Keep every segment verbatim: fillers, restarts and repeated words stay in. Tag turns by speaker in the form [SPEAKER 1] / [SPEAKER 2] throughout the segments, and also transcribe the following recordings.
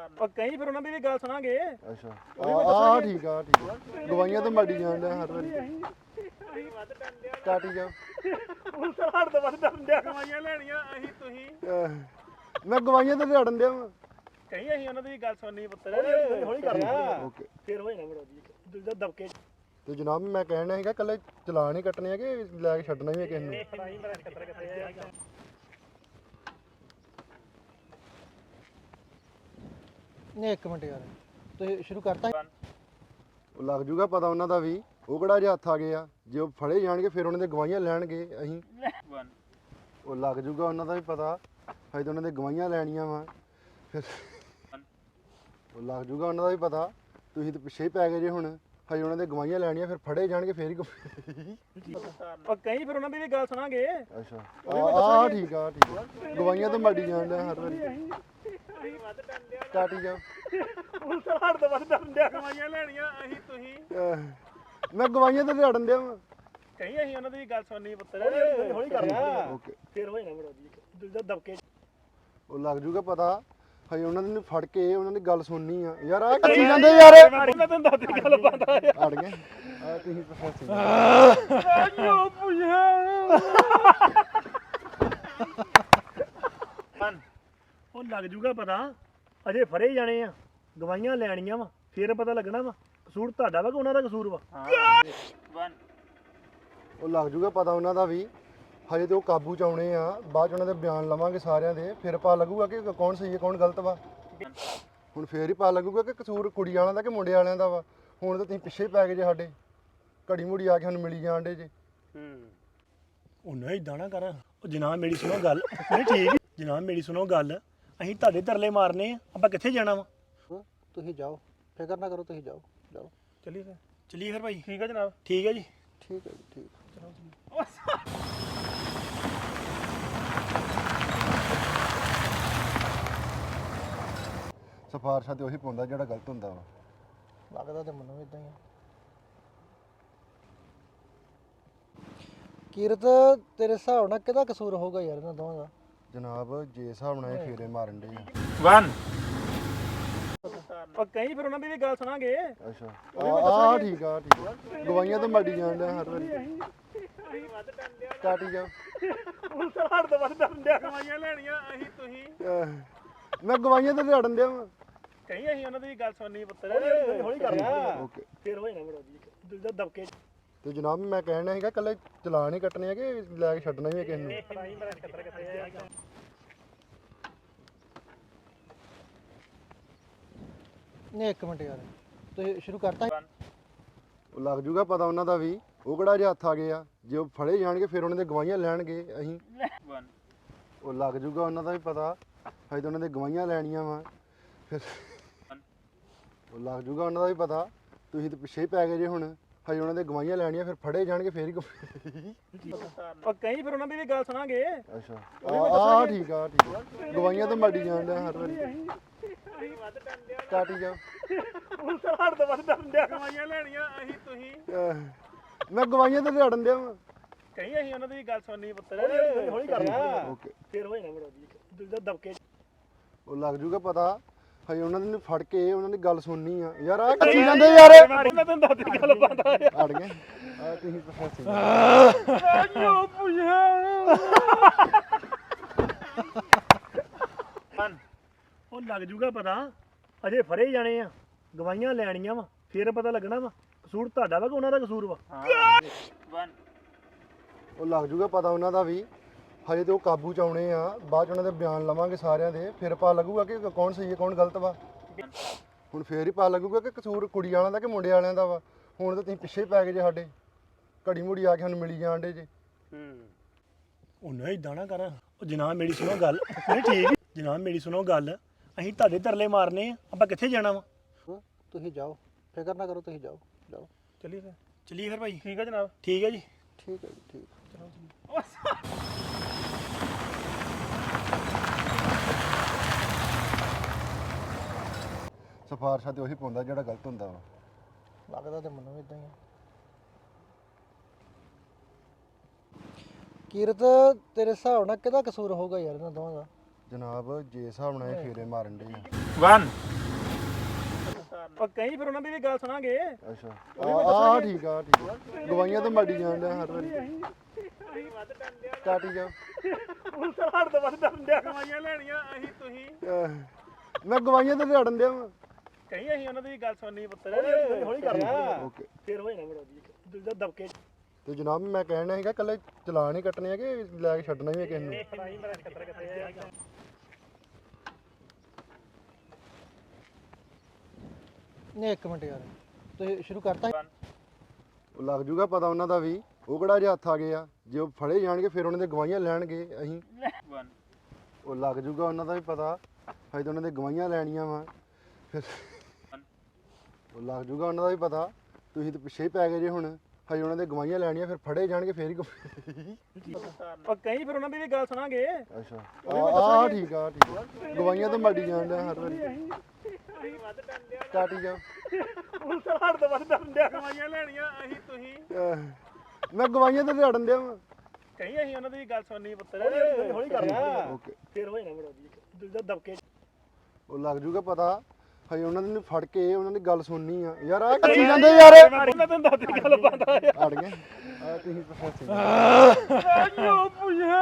[SPEAKER 1] ਉਹ ਕਈ ਫਿਰ ਉਹਨਾਂ ਦੀ ਵੀ ਗੱਲ ਸੁਣਾਂਗੇ।
[SPEAKER 2] ਅੱਛਾ ਆ ਠੀਕ ਆ ਠੀਕ ਆ ਗਵਾਈਆਂ ਤੇ ਮਾੜੀ ਜਾਣ ਡਿਆ ਹਰ ਵਾਰੀ ਕਾਟੀ ਜਾ
[SPEAKER 1] ਹੁਣ ਤਾਂ ਹੜ ਤੋਂ ਵੱਧ ਡਰਦੇ ਗਵਾਈਆਂ ਲੈਣੀਆਂ ਅਸੀਂ ਤੁਸੀਂ
[SPEAKER 2] ਮੈਂ ਗਵਾਈਆਂ ਤੇ ਲੜਨ ਡਿਆ ਵਾਂ
[SPEAKER 1] ਕਈ ਅਸੀਂ ਉਹਨਾਂ ਦੀ ਗੱਲ ਸੁਣਨੀ ਪੁੱਤਰ ਹੌਲੀ ਕਰ
[SPEAKER 2] ਓਕੇ
[SPEAKER 1] ਫਿਰ ਹੋਏ ਨਾ ਬੜੋ ਜੀ ਦੂਜਾ ਦਬਕੇ
[SPEAKER 2] ਤੇ ਜਨਾਬ ਮੈਂ ਕਹਿਣਾ ਹੈਗਾ ਕੱਲੇ ਚਲਾਨ ਹੀ ਕੱਟਣੇ ਆ ਕਿ ਲੈ ਕੇ ਛੱਡਣਾ ਵੀ ਹੈ ਕਿਸੇ ਨੂੰ
[SPEAKER 1] ਫੜਾਈ ਮੇਰਾ ਖਤਰ ਕਿੱਥੇ
[SPEAKER 3] ਨਹੀਂ ਇੱਕ ਮਿੰਟ ਯਾਰ ਤੁਸੀਂ ਸ਼ੁਰੂ ਕਰਤਾ
[SPEAKER 2] ਉਹ ਲੱਗ ਜੂਗਾ ਪਤਾ ਉਹਨਾਂ ਦਾ ਵੀ ਉਹ ਕਿਹੜਾ ਜੇ ਹੱਥ ਆ ਗਏ ਆ ਜੇ ਉਹ ਫੜੇ ਜਾਣਗੇ ਫਿਰ ਉਹਨਾਂ ਦੇ ਗਵਾਹੀਆਂ ਲੈਣਗੇ ਅਸੀਂ ਉਹ ਲੱਗ ਜੂਗਾ ਉਹਨਾਂ ਦਾ ਵੀ ਪਤਾ ਹਜੇ ਤਾਂ ਉਹਨਾਂ ਦੇ ਗਵਾਹੀਆਂ ਲੈਣੀਆਂ ਵਾ ਫਿਰ ਉਹ ਲੱਗ ਜੂਗਾ ਉਹਨਾਂ ਦਾ ਵੀ ਪਤਾ ਤੁਸੀਂ ਤਾਂ ਪਿੱਛੇ ਹੀ ਪੈ ਗਏ ਜੇ ਹੁਣ ਹਜੇ ਉਹਨਾਂ ਦੇ ਗਵਾਹੀਆਂ ਲੈਣੀਆਂ ਫਿਰ ਫੜੇ ਜਾਣਗੇ ਫਿਰ ਹੀ
[SPEAKER 1] ਉਹ ਕਈ ਫਿਰ ਉਹਨਾਂ ਦੀ ਵੀ ਗੱਲ ਸੁਣਾਂਗੇ।
[SPEAKER 2] ਅੱਛਾ ਆ ਠੀਕ ਆ ਠੀਕ ਆ ਗਵਾਹੀਆਂ ਤੇ ਮਾੜੀ ਜਾਣ ਡਿਆ ਹਰ ਵਾਰੀ ਕਾਟੀ ਜਾ
[SPEAKER 1] ਹੁਣ ਤਾਂ ਹੜ ਤੋਂ ਵੱਧ ਡਰਦੇ ਗਵਾਈਆਂ ਲੈਣੀਆਂ ਅਸੀਂ ਤੁਸੀਂ
[SPEAKER 2] ਮੈਂ ਗਵਾਈਆਂ ਤੇ ਲੜਨ ਡਿਆ ਵਾਂ
[SPEAKER 1] ਕਈ ਅਸੀਂ ਉਹਨਾਂ ਦੀ ਗੱਲ ਸੁਣਨੀ ਪੁੱਤਰ ਹੌਲੀ ਕਰ
[SPEAKER 2] ਓਕੇ
[SPEAKER 1] ਫਿਰ ਹੋਏ ਨਾ ਬੜੋ ਜੀ ਦੂਜਾ ਦਬਕੇ
[SPEAKER 2] ਉਹ ਲੱਗ ਜੂਗਾ ਪਤਾ ਹਜੇ ਉਹਨਾਂ ਨੂੰ ਫੜ ਕੇ ਉਹਨਾਂ ਦੀ ਗੱਲ ਸੁਣਨੀ ਆ ਯਾਰ ਆ ਕੱਚੀ ਜਾਂਦੇ ਯਾਰ
[SPEAKER 1] ਉਹਨਾਂ ਤੈਨੂੰ ਦੱਸ ਦੀ ਗੱਲ ਪਤਾ
[SPEAKER 2] ਅੜ ਗਏ ਆ ਤੁਸੀਂ ਪ੍ਰੋਫੈਸਰ
[SPEAKER 1] ਆਇਓ ਪੁੱਛਿਆ ਉਹ ਲੱਗ ਜੂਗਾ ਪਤਾ ਅਜੇ ਫੜੇ ਜਾਣੇ ਆ ਗਵਾਈਆਂ ਲੈਣੀਆਂ ਵਾ ਫਿਰ ਪਤਾ ਲੱਗਣਾ ਵਾ ਕਸੂਰ ਤੁਹਾਡਾ ਵਾ ਕਿ ਉਹਨਾਂ ਦਾ ਕਸੂਰ ਵਾ
[SPEAKER 2] ਉਹ ਲੱਗ ਜੂਗਾ ਪਤਾ ਉਹਨਾਂ ਦਾ ਵੀ ਹਜੇ ਤੇ ਉਹ ਕਾਬੂ ਚ ਆਉਣੇ ਆ ਬਾਅਦ ਚ ਉਹਨਾਂ ਦੇ ਬਿਆਨ ਲਵਾਂਗੇ ਸਾਰਿਆਂ ਦੇ ਫਿਰ ਪਤਾ ਲੱਗੂਗਾ ਕਿ ਕੌਣ ਸਹੀ ਹੈ ਕੌਣ ਗਲਤ ਵਾ ਹੁਣ ਫੇਰ ਹੀ ਪਤਾ ਲੱਗੂਗਾ ਕਿ ਕਸੂਰ ਕੁੜੀ ਵਾਲਿਆਂ ਦਾ ਕਿ ਮੁੰਡੇ ਵਾਲਿਆਂ ਦਾ ਵਾ ਹੁਣ ਤਾਂ ਤੁਸੀਂ ਪਿੱਛੇ ਹੀ ਪੈ ਗਏ ਜੇ ਸਾਡੇ ਘੜੀ ਮੁੜੀ ਆ ਕੇ ਸਾਨੂੰ ਮਿਲੀ ਜਾਣ ਡੇ ਜੇ
[SPEAKER 1] ਉਹ ਨਹੀਂ ਇਦਾਂ ਨਾ ਕਰ ਉਹ ਜਨਾਬ ਮੇਰੀ ਸੁਣੋ ਗੱਲ ਨਹੀਂ ਠੀਕ ਜਨਾਬ ਮੇਰੀ ਸੁਣੋ ਗੱਲ ਅਸੀਂ ਤੁਹਾਡੇ ਤਰਲੇ ਮਾਰਨੇ ਆ ਆਪਾਂ ਕਿੱਥੇ ਜਾਣਾ ਵਾ
[SPEAKER 3] ਤੁਸੀਂ ਜਾਓ ਫਿਕਰ ਨਾ ਕਰੋ ਤੁਸੀਂ ਜਾਓ ਜਾਓ
[SPEAKER 1] ਚੱਲੀਏ ਫਿਰ ਚੱਲੀਏ ਫਿਰ ਭਾਈ ਠੀਕ ਹੈ ਜਨਾਬ ਠੀਕ ਹੈ ਜੀ
[SPEAKER 3] ਠੀਕ ਹੈ ਜੀ ਠੀਕ
[SPEAKER 1] ਚਲੋ ਜੀ
[SPEAKER 2] ਸਿਫਾਰਸ਼ਾਂ ਤੇ ਉਹੀ ਪਾਉਂਦਾ ਜਿਹੜਾ ਗਲਤ ਹੁੰਦਾ ਵਾ
[SPEAKER 3] ਲੱਗਦਾ ਤੇ ਮੈਨੂੰ ਵੀ ਇਦਾਂ ਹੀ ਆ ਕੀਰਤ ਤੇਰੇ ਹਿਸਾਬ ਨਾਲ ਕਿਹਦਾ ਕਸੂਰ ਹੋਊਗਾ ਯਾਰ ਇਹਨਾਂ ਦੋਵਾਂ ਦਾ
[SPEAKER 2] ਜਨਾਬ ਜੇ ਹਿਸਾਬ ਨਾਲ ਇਹ ਫੇਰੇ ਮਾਰਨ ਡੇ ਆ
[SPEAKER 1] ਵਨ ਉਹ ਕਈ ਫਿਰ ਉਹਨਾਂ ਦੀ ਵੀ ਗੱਲ ਸੁਣਾਂਗੇ।
[SPEAKER 2] ਅੱਛਾ ਆ ਠੀਕ ਆ ਠੀਕ ਆ ਗਵਾਈਆਂ ਤੇ ਮਾੜੀ ਜਾਣ ਡਿਆ ਹਰ ਵਾਰੀ ਕਾਟੀ ਜਾ
[SPEAKER 1] ਹੁਣ ਤਾਂ ਹੜ ਤੋਂ ਵੱਧ ਡਰਦੇ ਗਵਾਈਆਂ ਲੈਣੀਆਂ ਅਸੀਂ ਤੁਸੀਂ
[SPEAKER 2] ਮੈਂ ਗਵਾਈਆਂ ਤੇ ਲੜਨ ਡਿਆ ਵਾਂ
[SPEAKER 1] ਕਈ ਅਸੀਂ ਉਹਨਾਂ ਦੀ ਗੱਲ ਸੁਣਨੀ ਪੁੱਤਰ ਹੌਲੀ ਕਰ
[SPEAKER 2] ਓਕੇ
[SPEAKER 1] ਫਿਰ ਹੋਏ ਨਾ ਬੜੋ ਜੀ ਦੂਜਾ ਦਬਕੇ
[SPEAKER 2] ਤੇ ਜਨਾਬ ਮੈਂ ਕਹਿਣਾ ਹੈਗਾ ਕੱਲੇ ਚਲਾਨ ਹੀ ਕੱਟਣੇ ਆ ਕਿ ਲੈ ਕੇ ਛੱਡਣਾ ਵੀ ਹੈ ਕਿਸੇ ਨੂੰ
[SPEAKER 1] ਫੜਾਈ ਮੇਰਾ ਖਤਰ ਕਿੱਥੇ
[SPEAKER 3] ਨਹੀਂ ਇੱਕ ਮਿੰਟ ਯਾਰ ਤੁਸੀਂ ਸ਼ੁਰੂ ਕਰਤਾ
[SPEAKER 2] ਉਹ ਲੱਗ ਜੂਗਾ ਪਤਾ ਉਹਨਾਂ ਦਾ ਵੀ ਉਹ ਕਿਹੜਾ ਜੇ ਹੱਥ ਆ ਗਏ ਆ ਜੇ ਉਹ ਫੜੇ ਜਾਣਗੇ ਫਿਰ ਉਹਨਾਂ ਦੇ ਗਵਾਹੀਆਂ ਲੈਣਗੇ ਅਸੀਂ ਉਹ ਲੱਗ ਜੂਗਾ ਉਹਨਾਂ ਦਾ ਵੀ ਪਤਾ ਹਜੇ ਤਾਂ ਉਹਨਾਂ ਦੇ ਗਵਾਹੀਆਂ ਲੈਣੀਆਂ ਵਾ ਫਿਰ ਉਹ ਲੱਗ ਜੂਗਾ ਉਹਨਾਂ ਦਾ ਵੀ ਪਤਾ ਤੁਸੀਂ ਤਾਂ ਪਿੱਛੇ ਹੀ ਪੈ ਗਏ ਜੇ ਹੁਣ ਹਜੇ ਉਹਨਾਂ ਦੇ ਗਵਾਹੀਆਂ ਲੈਣੀਆਂ ਫਿਰ ਫੜੇ ਜਾਣਗੇ ਫਿਰ ਹੀ
[SPEAKER 1] ਉਹ ਕਈ ਫਿਰ ਉਹਨਾਂ ਦੀ ਵੀ ਗੱਲ ਸੁਣਾਂਗੇ।
[SPEAKER 2] ਅੱਛਾ ਆ ਠੀਕ ਆ ਠੀਕ ਆ ਗਵਾਈਆਂ ਤੇ ਮਾੜੀ ਜਾਣ ਡਿਆ ਹਰ ਵਾਰੀ ਕਾਟੀ ਜਾ
[SPEAKER 1] ਹੁਣ ਤਾਂ ਹੜ ਤੋਂ ਵੱਧ ਡਰਦੇ ਗਵਾਈਆਂ ਲੈਣੀਆਂ ਅਸੀਂ ਤੁਸੀਂ
[SPEAKER 2] ਮੈਂ ਗਵਾਈਆਂ ਤੇ ਲੜਨ ਡਿਆ ਵਾਂ
[SPEAKER 1] ਕਈ ਅਸੀਂ ਉਹਨਾਂ ਦੀ ਗੱਲ ਸੁਣਨੀ ਪੁੱਤਰ ਹੌਲੀ ਕਰ
[SPEAKER 2] ਓਕੇ
[SPEAKER 1] ਫਿਰ ਹੋਏ ਨਾ ਬੜੋ ਜੀ ਦੂਜਾ ਦਬਕੇ
[SPEAKER 2] ਉਹ ਲੱਗ ਜੂਗਾ ਪਤਾ ਹਜੇ ਉਹਨਾਂ ਨੂੰ ਫੜ ਕੇ ਉਹਨਾਂ ਦੀ ਗੱਲ ਸੁਣਨੀ ਆ ਯਾਰ ਆ ਕੱਚੀ ਜਾਂਦੇ ਯਾਰ
[SPEAKER 1] ਉਹਨਾਂ ਤੈਨੂੰ ਦੱਸ ਦੀ ਗੱਲ ਪਤਾ
[SPEAKER 2] ਅੜ ਗਏ ਆ ਤੁਸੀਂ ਪ੍ਰੋਫੈਸਰ
[SPEAKER 1] ਆਇਓ ਪੁੱਛਿਆ ਉਹ ਲੱਗ ਜੂਗਾ ਪਤਾ ਅਜੇ ਫੜੇ ਜਾਣੇ ਆ ਗਵਾਈਆਂ ਲੈਣੀਆਂ ਵਾ ਫਿਰ ਪਤਾ ਲੱਗਣਾ ਵਾ ਕਸੂਰ ਤੁਹਾਡਾ ਵਾ ਕਿ ਉਹਨਾਂ ਦਾ ਕਸੂਰ ਵਾ
[SPEAKER 2] ਉਹ ਲੱਗ ਜੂਗਾ ਪਤਾ ਉਹਨਾਂ ਦਾ ਵੀ ਹਜੇ ਤੇ ਉਹ ਕਾਬੂ ਚ ਆਉਣੇ ਆ ਬਾਅਦ ਚ ਉਹਨਾਂ ਦੇ ਬਿਆਨ ਲਵਾਂਗੇ ਸਾਰਿਆਂ ਦੇ ਫਿਰ ਪਤਾ ਲੱਗੂਗਾ ਕਿ ਕੌਣ ਸਹੀ ਹੈ ਕੌਣ ਗਲਤ ਵਾ ਹੁਣ ਫੇਰ ਹੀ ਪਤਾ ਲੱਗੂਗਾ ਕਿ ਕਸੂਰ ਕੁੜੀ ਵਾਲਿਆਂ ਦਾ ਕਿ ਮੁੰਡੇ ਵਾਲਿਆਂ ਦਾ ਵਾ ਹੁਣ ਤਾਂ ਤੁਸੀਂ ਪਿੱਛੇ ਹੀ ਪੈ ਗਏ ਜੇ ਸਾਡੇ ਘੜੀ ਮੁੜੀ ਆ ਕੇ ਸਾਨੂੰ ਮਿਲੀ ਜਾਣ ਡੇ ਜੇ
[SPEAKER 1] ਉਹ ਨਹੀਂ ਇਦਾਂ ਨਾ ਕਰ ਉਹ ਜਨਾਬ ਮੇਰੀ ਸੁਣੋ ਗੱਲ ਨਹੀਂ ਠੀਕ ਜਨਾਬ ਮੇਰੀ ਸੁਣੋ ਗੱਲ ਅਸੀਂ ਤੁਹਾਡੇ ਤਰਲੇ ਮਾਰਨੇ ਆ ਆਪਾਂ ਕਿੱਥੇ ਜਾਣਾ ਵਾ
[SPEAKER 3] ਤੁਸੀਂ ਜਾਓ ਫਿਕਰ ਨਾ ਕਰੋ ਤੁਸੀਂ ਜਾਓ ਜਾਓ
[SPEAKER 1] ਚੱਲੀਏ ਫਿਰ ਚੱਲੀਏ ਫਿਰ ਭਾਈ ਠੀਕ ਹੈ ਜਨਾਬ ਠੀਕ ਹੈ ਜੀ
[SPEAKER 3] ਠੀਕ ਹੈ ਜੀ ਠੀਕ
[SPEAKER 1] ਚਲੋ ਜੀ
[SPEAKER 2] ਸਿਫਾਰਸ਼ਾਂ ਤੇ ਉਹੀ ਪਾਉਂਦਾ ਜਿਹੜਾ ਗਲਤ ਹੁੰਦਾ ਵਾ
[SPEAKER 3] ਲੱਗਦਾ ਤੇ ਮੈਨੂੰ ਵੀ ਇਦਾਂ ਹੀ ਆ ਕੀਰਤ ਤੇਰੇ ਹਿਸਾਬ ਨਾਲ ਕਿਹਦਾ ਕਸੂਰ ਹੋਊਗਾ ਯਾਰ ਇਹਨਾਂ ਦੋਵਾਂ ਦਾ
[SPEAKER 2] ਜਨਾਬ ਜੇ ਹਿਸਾਬ ਨਾਲ ਇਹ ਫੇਰੇ ਮਾਰਨ ਡੇ ਆ
[SPEAKER 1] ਵਨ ਉਹ ਕਈ ਫਿਰ ਉਹਨਾਂ ਦੀ ਵੀ ਗੱਲ ਸੁਣਾਂਗੇ
[SPEAKER 2] ਅੱਛਾ ਆ ਆ ਠੀਕ ਆ ਠੀਕ ਆ ਗਵਾਈਆਂ ਤਾਂ ਮਾੜੀ ਜਾਣ ਡਿਆ ਹਰ ਵਾਰੀ ਕਾਟੀ ਜਾ
[SPEAKER 1] ਹੁਣ ਤਾਂ ਹੜ ਤੋਂ ਵੱਧ ਡਰਨ ਡਿਆ ਕਮਾਈਆਂ ਲੈਣੀਆਂ ਅਸੀਂ ਤੁਸੀਂ
[SPEAKER 2] ਮੈਂ ਗਵਾਈਆਂ ਤੇ ਲੜਨ ਡਿਆ ਵਾਂ
[SPEAKER 1] ਕਈ ਅਸੀਂ ਉਹਨਾਂ ਦੀ ਵੀ ਗੱਲ ਸੁਣਨੀ ਪੁੱਤਰ ਹੌਲੀ ਕਰ
[SPEAKER 2] ਓਕੇ
[SPEAKER 1] ਫੇਰ ਹੋ ਜਾਣਾ ਬੜਾ ਜੀ ਦਿਲ ਦਾ ਦਬਕੇ
[SPEAKER 2] ਤੇ ਜਨਾਬ ਮੈਂ ਕਹਿਣਾ ਹੈਗਾ ਕੱਲੇ ਚਲਾਨ ਹੀ ਕੱਟਣੇ ਆ ਕਿ ਲੈ ਕੇ ਛੱਡਣਾ ਵੀ ਹੈ ਕਿਸੇ ਨੂੰ
[SPEAKER 1] ਨਹੀਂ ਮੇਰਾ ਖਤਰਾ ਕਿੱਥੇ ਆ
[SPEAKER 3] ਨਹੀਂ ਇੱਕ ਮਿੰਟ ਯਾਰ ਤੁਸੀਂ ਸ਼ੁਰੂ ਕਰਤਾ
[SPEAKER 2] ਉਹ ਲੱਗ ਜੂਗਾ ਪਤਾ ਉਹਨਾਂ ਦਾ ਵੀ ਉਹ ਕਿਹੜਾ ਜੇ ਹੱਥ ਆ ਗਏ ਆ ਜੇ ਉਹ ਫੜੇ ਜਾਣਗੇ ਫਿਰ ਉਹਨਾਂ ਦੇ ਗਵਾਹੀਆਂ ਲੈਣਗੇ ਅਸੀਂ ਉਹ ਲੱਗ ਜੂਗਾ ਉਹਨਾਂ ਦਾ ਵੀ ਪਤਾ ਹਜੇ ਤਾਂ ਉਹਨਾਂ ਦੇ ਗਵਾਹੀਆਂ ਲੈਣੀਆਂ ਵਾ ਫਿਰ ਉਹ ਲੱਗ ਜੂਗਾ ਉਹਨਾਂ ਦਾ ਵੀ ਪਤਾ ਤੁਸੀਂ ਤਾਂ ਪਿੱਛੇ ਹੀ ਪੈ ਗਏ ਜੇ ਹੁਣ ਹਜੇ ਉਹਨਾਂ ਦੇ ਗਵਾਹੀਆਂ ਲੈਣੀਆਂ ਫਿਰ ਫੜੇ ਜਾਣਗੇ ਫਿਰ ਹੀ ਗ-
[SPEAKER 1] ਉਹ ਕਈ ਫਿਰ ਉਹਨਾਂ ਦੀ ਵੀ ਗੱਲ ਸੁਣਾਂਗੇ
[SPEAKER 2] ਅੱਛਾ ਆ ਆ ਠੀਕ ਆ ਠੀਕ ਆ ਗਵਾਹੀਆਂ ਤਾਂ ਮਾੜੀ ਜਾਣ ਡਿਆ ਹਰ ਵਾਰੀ ਕਾਟੀ ਜਾ
[SPEAKER 1] ਹੁਣ ਤਾਂ ਹੜ ਤੋਂ ਵੱਧ ਡਰਨ ਡਿਆ ਕਮਾਈਆਂ ਲੈਣੀਆਂ ਅਸੀਂ ਤੁਸੀਂ
[SPEAKER 2] ਮੈਂ ਗਵਾਈਆਂ ਤੇ ਲੜਨ ਡਿਆ ਵਾਂ
[SPEAKER 1] ਕਈ ਅਸੀਂ ਉਹਨਾਂ ਦੀ ਵੀ ਗੱਲ ਸੁਣਨੀ ਪੁੱਤਰ ਹੌਲੀ ਕਰ
[SPEAKER 2] ਓਕੇ
[SPEAKER 1] ਫੇਰ ਹੋ ਜਾਣਾ ਬੜਾ ਜੀ ਦਿਲ ਦਾ ਦਬਕੇ
[SPEAKER 2] ਉਹ ਲੱਗ ਜੂਗਾ ਪਤਾ ਹਜੇ ਉਹਨਾਂ ਨੇ ਫੜ ਕੇ ਉਹਨਾਂ ਦੀ ਗੱਲ ਸੁਣਨੀ ਆ ਯਾਰ ਆ ਕਰੀ ਜਾਂਦੇ ਯਾਰ
[SPEAKER 1] ਉਹਨਾਂ ਤੈਨੂੰ ਦੱਸ ਦੀ ਗੱਲ ਪਾਉਂਦਾ
[SPEAKER 2] ਅੜ ਗਏ ਆ ਤੁਸੀਂ ਪ੍ਰੋਫੈਸਰ
[SPEAKER 1] ਆਇਓ ਪੁੱਛਿਆ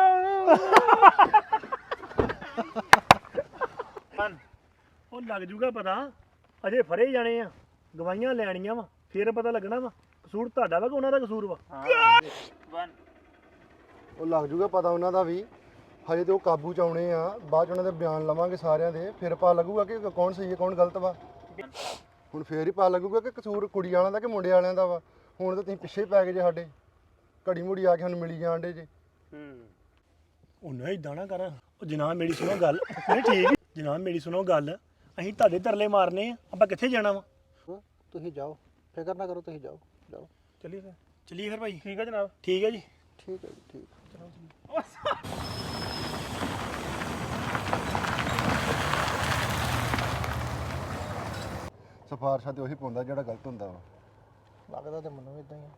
[SPEAKER 1] ਉਹ ਲੱਗ ਜੂਗਾ ਪਤਾ ਅਜੇ ਫੜੇ ਜਾਣੇ ਆ ਗਵਾਈਆਂ ਲੈਣੀਆਂ ਵਾ ਫੇਰ ਪਤਾ ਲੱਗਣਾ ਵਾ ਕਸੂਰ ਤੁਹਾਡਾ ਵਾ ਕਿ ਉਹਨਾਂ ਦਾ ਕਸੂਰ ਵਾ
[SPEAKER 2] ਉਹ ਲੱਗ ਜੂਗਾ ਪਤਾ ਉਹਨਾਂ ਦਾ ਵੀ ਹਜੇ ਤੇ ਉਹ ਕਾਬੂ ਚ ਆਉਣੇ ਆ ਬਾਅਦ ਚ ਉਹਨਾਂ ਦੇ ਬਿਆਨ ਲਵਾਂਗੇ ਸਾਰਿਆਂ ਦੇ ਫਿਰ ਪਤਾ ਲੱਗੂਗਾ ਕਿ ਕੌਣ ਸਹੀ ਹੈ ਕੌਣ ਗਲਤ ਵਾ ਹੁਣ ਫੇਰ ਹੀ ਪਤਾ ਲੱਗੂਗਾ ਕਿ ਕਸੂਰ ਕੁੜੀ ਵਾਲਿਆਂ ਦਾ ਕਿ ਮੁੰਡੇ ਵਾਲਿਆਂ ਦਾ ਵਾ ਹੁਣ ਤਾਂ ਤੁਸੀਂ ਪਿੱਛੇ ਹੀ ਪੈ ਗਏ ਜੇ ਸਾਡੇ ਘੜੀ ਮੁੜੀ ਆ ਕੇ ਸਾਨੂੰ ਮਿਲੀ ਜਾਣ ਡੇ ਜੇ
[SPEAKER 1] ਉਹ ਨਹੀਂ ਇਦਾਂ ਨਾ ਕਰ ਉਹ ਜਨਾਬ ਮੇਰੀ ਸੁਣੋ ਗੱਲ ਨਹੀਂ ਠੀਕ ਜਨਾਬ ਮੇਰੀ ਸੁਣੋ ਗੱਲ ਅਸੀਂ ਤੁਹਾਡੇ ਤਰਲੇ ਮਾਰਨੇ ਆ ਆਪਾਂ ਕਿੱਥੇ ਜਾਣਾ ਵਾ
[SPEAKER 3] ਤੁਸੀਂ ਜਾਓ ਫਿਕਰ ਨਾ ਕਰੋ ਤੁਸੀਂ ਜਾਓ ਜਾਓ
[SPEAKER 1] ਚੱਲੀਏ ਫਿਰ ਚੱਲੀਏ ਫਿਰ ਭਾਈ ਠੀਕ ਹੈ ਜਨਾਬ ਠੀਕ ਹੈ ਜੀ
[SPEAKER 3] ਠੀਕ ਹੈ ਜੀ ਠੀਕ ਚਲੋ
[SPEAKER 2] ਸਿਫਾਰਸ਼ਾਂ ਤੇ ਉਹੀ ਪਾਉਂਦਾ ਜਿਹੜਾ ਗਲਤ ਹੁੰਦਾ ਵਾ
[SPEAKER 3] ਲੱਗਦਾ ਤੇ ਮੈਨੂੰ ਇਦਾਂ ਹੀ ਆ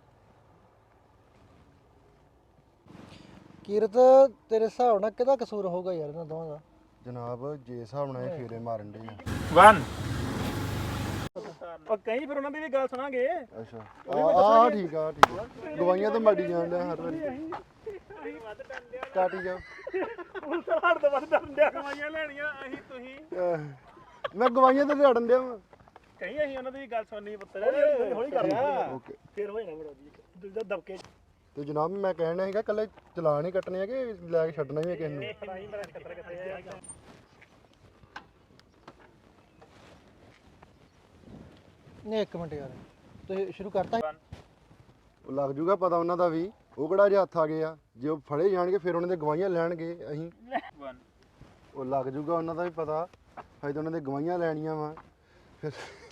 [SPEAKER 3] ਕੀਰਤ ਤੇਰੇ ਹਿਸਾਬ ਨਾਲ ਕਿਹਦਾ ਕਸੂਰ ਹੋਊਗਾ ਯਾਰ ਇਹਨਾਂ ਦੋਵਾਂ ਦਾ
[SPEAKER 2] ਜਨਾਬ ਜੇ ਹਿਸਾਬ ਨਾਲ ਇਹ ਫੇਰੇ ਮਾਰਨ ਡੇ ਆ
[SPEAKER 1] ਵਨ ਉਹ ਕਈ ਫਿਰ ਉਹਨਾਂ ਦੀ ਵੀ ਗੱਲ ਸੁਣਾਂਗੇ
[SPEAKER 2] ਅੱਛਾ ਆ ਆ ਠੀਕ ਆ ਠੀਕ ਆ ਗਵਾਈਆਂ ਤਾਂ ਮਾੜੀ ਜਾਣ ਡਿਆ ਹਰ ਵਾਰੀ ਕਾਟੀ ਜਾ
[SPEAKER 1] ਹੁਣ ਤਾਂ ਹੜ ਤੋਂ ਵੱਧ ਡਰਨ ਡਿਆ ਕਮਾਈਆਂ ਲੈਣੀਆਂ ਅਸੀਂ ਤੁਸੀਂ
[SPEAKER 2] ਮੈਂ ਗਵਾਈਆਂ ਤੇ ਲੜਨ ਡਿਆ ਵਾਂ
[SPEAKER 1] ਕਈ ਅਸੀਂ ਉਹਨਾਂ ਦੀ ਵੀ ਗੱਲ ਸੁਣਨੀ ਪੁੱਤਰ ਹੌਲੀ ਕਰ
[SPEAKER 2] ਓਕੇ
[SPEAKER 1] ਫੇਰ ਹੋ ਜਾਣਾ ਬੜਾ ਜੀ ਦਿਲ ਦਾ ਦਬਕੇ
[SPEAKER 2] ਤੇ ਜਨਾਬ ਮੈਂ ਕਹਿਣਾ ਹੈਗਾ ਕੱਲੇ ਚਲਾਨ ਹੀ ਕੱਟਣੇ ਆ ਕਿ ਲੈ ਕੇ ਛੱਡਣਾ ਵੀ ਹੈ ਕਿਸੇ ਨੂੰ
[SPEAKER 1] ਨਹੀਂ ਮੇਰਾ ਖਤਰਾ ਕਿੱਥੇ ਆ
[SPEAKER 3] ਨਹੀਂ ਇੱਕ ਮਿੰਟ ਯਾਰ ਤੁਸੀਂ ਸ਼ੁਰੂ ਕਰਤਾ
[SPEAKER 2] ਉਹ ਲੱਗ ਜੂਗਾ ਪਤਾ ਉਹਨਾਂ ਦਾ ਵੀ ਉਹ ਕਿਹੜਾ ਜੇ ਹੱਥ ਆ ਗਏ ਆ ਜੇ ਉਹ ਫੜੇ ਜਾਣਗੇ ਫਿਰ ਉਹਨਾਂ ਦੇ ਗਵਾਹੀਆਂ ਲੈਣਗੇ ਅਸੀਂ ਉਹ ਲੱਗ ਜੂਗਾ ਉਹਨਾਂ ਦਾ ਵੀ ਪਤਾ ਹਜੇ ਤਾਂ ਉਹਨਾਂ ਦੇ ਗਵਾਹੀਆਂ ਲੈਣੀਆਂ ਵਾ ਫਿਰ